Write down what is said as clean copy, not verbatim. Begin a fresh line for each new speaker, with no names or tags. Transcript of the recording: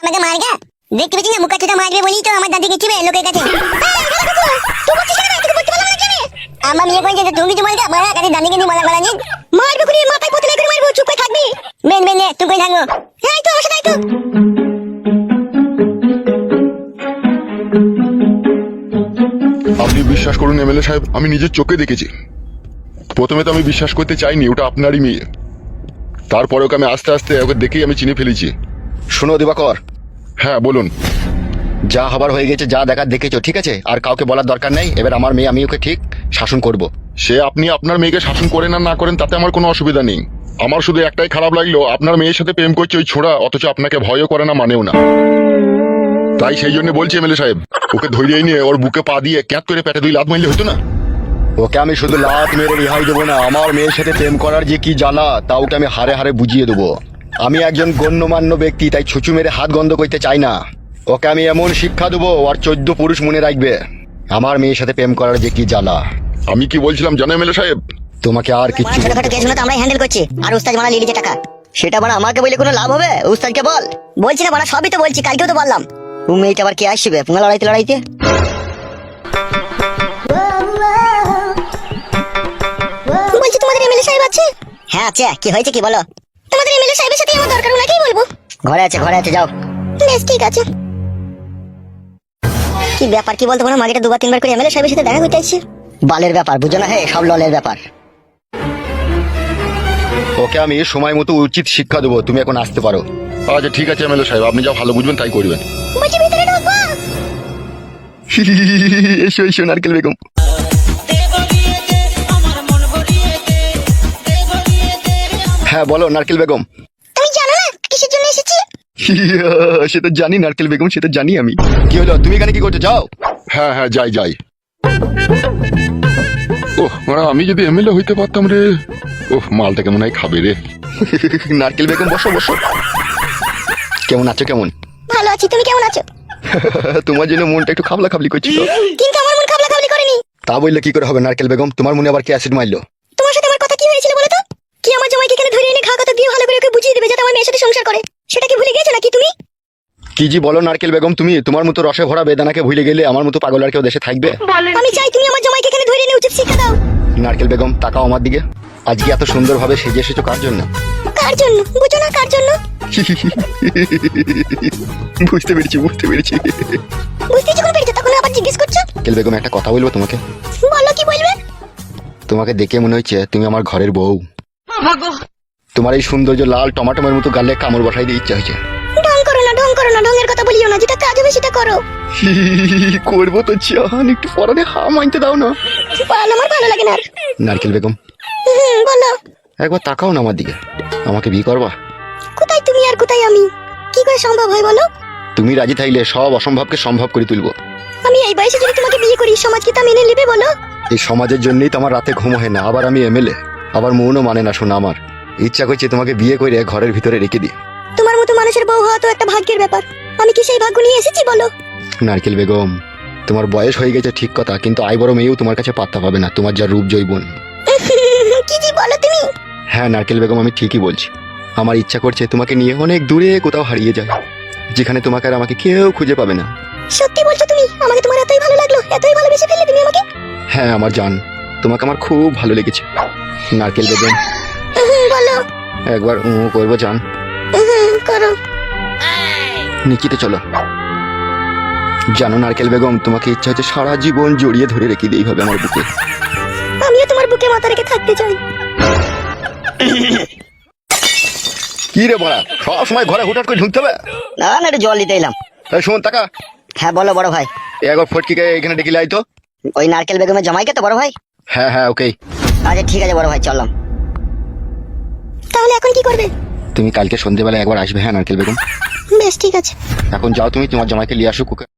আমাকে মারগা দেখতে পেছি না মুখা চোদা মারবে বলি তো আমার দাদিকে চিবে লোকের কাছে আমার মেয়ে কই যে তুমি কিছু মারগা মারা কাছে দাদিকে নিয়ে মারা নিয়ে মারবে করে মাথায় পতলে করে মারবো চুপ করে থাকবি মেন মেন তুই কই থাকবো হ্যাঁ তো আমার সাথে তো
আপনি বিশ্বাস করুন এমএলএ সাহেব, আমি নিজের চোখে দেখেছি। প্রথমে তো আমি বিশ্বাস করতে চাইনি ওটা আপনারই মেয়ে, তারপরে ওকে আমি আস্তে আস্তে ওকে দেখেই আমি চিনে ফেলেছি।
শোনো দিবাকর,
হ্যাঁ বলুন।
যা হবার হয়ে গেছে, যা দেখার দেখেছো, ঠিক আছে? আর কাউকে বলার দরকার নেই। এবার আমার মেয়ে, আমি ওকে ঠিক শাসন করব।
সে আপনি আপনার মেয়েকে শাসন করেন আর না করেন তাতে আমার কোনো অসুবিধা নেই। আমার শুধু একটাই খারাপ লাগলো, আপনার মেয়ের সাথে প্রেম করছে ওই ছোড়া, অথচ আপনাকে ভয়ও করে না মানেও না। তাই সেই জন্য বলছি এমএলএ সাহেব, ওকে ধরিয়ে নিয়ে ওর বুকে পা দিয়ে ক্যাঁত করে পেটে 2 লাত মারলে হতো না?
ওকে আমি শুধু লাত মেরে রেহাই দেবো না, আমার মেয়ের সাথে প্রেম করার যে কি জ্বালা তা ওকে আমি হারে হারে বুঝিয়ে দেবো। আমি একজন গণ্যমান্য ব্যক্তি, তাই ছুঁচু মেরে হাত গন্ধ করতে চাই না। ওকে আমি এমন শিক্ষা দেবো আর 14 পুরুষ মনে রাখবে আমার মেয়ের সাথে প্রেম করার যে কি জ্বালা।
আমি কি বলছিলাম জানো এমএলএ সাহেব?
তোমাকে আর কিচ্ছু
ছোটখাটো কেসগুলো তো আমরাই হ্যান্ডেল করছি, আর উস্তাদ মারা লিলিছে টাকা।
সেটা মানে আমাকে বলে কোনো লাভ হবে? উস্তাদকে বল।
বলছি না বাড়া, সবই তো বলছি, কালকেও তো বললাম।
তুমি এইটা আবার কে আসবে পুঙ্গা লড়াইতে লড়াইতে?
বলছি তোমাদের এমএলএ সাহেব আছে?
হ্যাঁ আছে। কি হয়েছে কি বলো?
তোমাদের এমএলএ সাহেবের সাথে আমার দরকার, ওনাকেই বলবো।
ঘরে আছে, ঘরে আছে, যাও।
বেশ ঠিক আছে। কি ব্যাপার কি বলতো না, মাগিটা 2-3 বার করে এমএলএ সাহেবের সাথে দেখা করতে আসছে।
বালের ব্যাপার বুঝো না? হে, সব ললের ব্যাপার।
ওকে আমি সময় মতো উচিত শিক্ষা দেবো। তুমি এখন আসতে পারো।
আচ্ছা ঠিক আছে এমএলএ সাহেব, আপনি যা ভালো বুঝবেন তাই করবেন।
বলছি ভিতরে ঢোকবো?
এসো এসো নারকেল বেগম। হ্যাঁ বলো নারকেল বেগম।
তুমি জানো না কিসের জন্য এসেছি?
সেটা জানি নারকেল বেগম, সেটা জানি আমি। কি হলো, তুমি এখানে কি করছো? যাও।
হ্যাঁ হ্যাঁ যাই যাই। ওহ মানে আমি যদি এমএলএ হইতে পারতাম রে। ওহ মালটা কেমন হয় খাবে রে।
নারকেল বেগম বসো বসো। কেমন আছো? কেমন?
ভালো আছি, তুমি কেমন আছো?
তোমার জন্য মনটা একটু খাবলা খাবলি করছিল।
কিন্তু আমার মন খাবলা খাবলি করেনি।
তা বললে কি করে হবে নারকেল বেগম? তোমার মনে আবার কি অ্যাসিড মারলো?
তোমার সাথে আমার কথা কি হয়েছিল বলো তো? কি আমার জামাইকে এখানে ধরে এনে ঘা কথা দিয়ে ভালো করে ওকে বুঝিয়ে দেবে যাতে আমার মেয়ের সাথে সংসার করে, সেটা কি ভুলে গেছো নাকি তুমি?
কি জি বলো নারকেল বেগম তুমি? তোমার মতো রসে ভরা বেদানাকে ভুলে গেলে আমার মতো পাগল আর কেউ দেশে থাকবে?
আমি চাই তুমি আমার জামাইকে এখানে ধরে এনে উচিত শিক্ষা দাও।
নারকেল বেগম তাকাও আমার দিকে। আজকে এত সুন্দরভাবে সেজে এসেছো কার জন্য?
কার জন্য বুঝো না? কার জন্য
বুঝতে পেরেছি বুঝতে পেরেছি।
বুঝতে যখন পেরেছো তখন আবার জিজ্ঞেস করছো?
নারকেল বেগম একটা কথা বলবো তোমাকে?
বলো, কি বলবে?
তোমাকে দেখে মনে হচ্ছে তুমি আমার ঘরের বউ। তোমার এই সৌন্দর্য লাল টমাটোমের মতো গালে কামড় বসাই দিয়ে ইচ্ছা হয়েছে।
ঢং করো না, ঢং করো না, ঢঙের কথা বলিও না, যেটা কাজ হবে সেটা করো।
করবো তো চান, একটু পরানে হা মানতে দাও না।
পালানো আমার ভালো লাগে না আর।
নারকেল বেগম
বলো।
একবার তাকাও না আমার দিকে। আমাকে বিয়ে করবা?
কোথায় তুমি আর কোথায় আমি? কি করে সম্ভব হয় বলো?
তুমি রাজি থাকলে সব অসম্ভবকে সম্ভব করে তুলবো।
আমি এই বয়সে যদি তোমাকে বিয়ে করি, সমাজ কি তা মেনে নেবে বলো?
এই সমাজের জন্যই তো আমার রাতে ঘুম হয় না। আবার আমি এমএলএ, আবার মনও মানে না। শোনা, আমার ইচ্ছা করছে তোমাকে বিয়ে করে ঘরের ভিতরে রেখে দিই।
তোমার মতো মানুষের বউ হওয়া তো একটা ভাগ্যের ব্যাপার। আমি কি সেই ভাগ্য নিয়ে এসেছি বলো?
নারকেল বেগম তোমার বয়স হয়ে গেছে ঠিক কথা, কিন্তু আই বড় মেয়েও তোমার কাছে পাত্তা পাবে না, তোমার যা রূপ জৈবন।
কি জি বলো তুমি?
হ্যাঁ নারকেল বেগম আমি ঠিকই বলছি। আমার ইচ্ছা করছে তোমাকে নিয়ে অনেক দূরে কোথাও হারিয়ে যায়, যেখানে তোমাকে আর আমাকে কেউ খুঁজে পাবে না।
সত্যি বলছো তুমি? আমাকে তোমার এতই ভালো লাগলো, এতই ভালোবেসে ফেললে তুমি আমাকে?
হ্যাঁ আমার জান, তোমাকে আমার খুব ভালো লেগেছে। নারকেল বেগম
বলো।
একবার করবো জান?
করো।
নিচেতে চলো। জানো নারকেল বেগম, তোমাকে ইচ্ছা হচ্ছে সারা জীবন জড়িয়ে ধরে রেখে দিই এইভাবে আমার বুকে।
আমিও তোমার বুকে মাথা রেখে থাকতে চাই।
কি রে বড়া, সব সময় ঘরে হুটহাট করে ঢুকতে হবে?
না না, একটু জল দিতে এলাম।
এই শোন তাকা।
হ্যাঁ বলো বড় ভাই।
একবার ফটকিকে এখানে ডেকে লাই তো।
ওই নারকেল বেগমের জামাইকে তো বড় ভাই?
হ্যাঁ হ্যাঁ ওকেই।
আচ্ছা ঠিক আছে বড় ভাই, চললাম।
তাহলে এখন কি করবে?
তুমি কালকে সন্ধ্যেবেলা একবার আসবে। হ্যাঁ নারকেল বেগম
বেশ ঠিক আছে।
এখন যাও, তুমি তোমার জামাইকে নিয়ে আসো কুকে।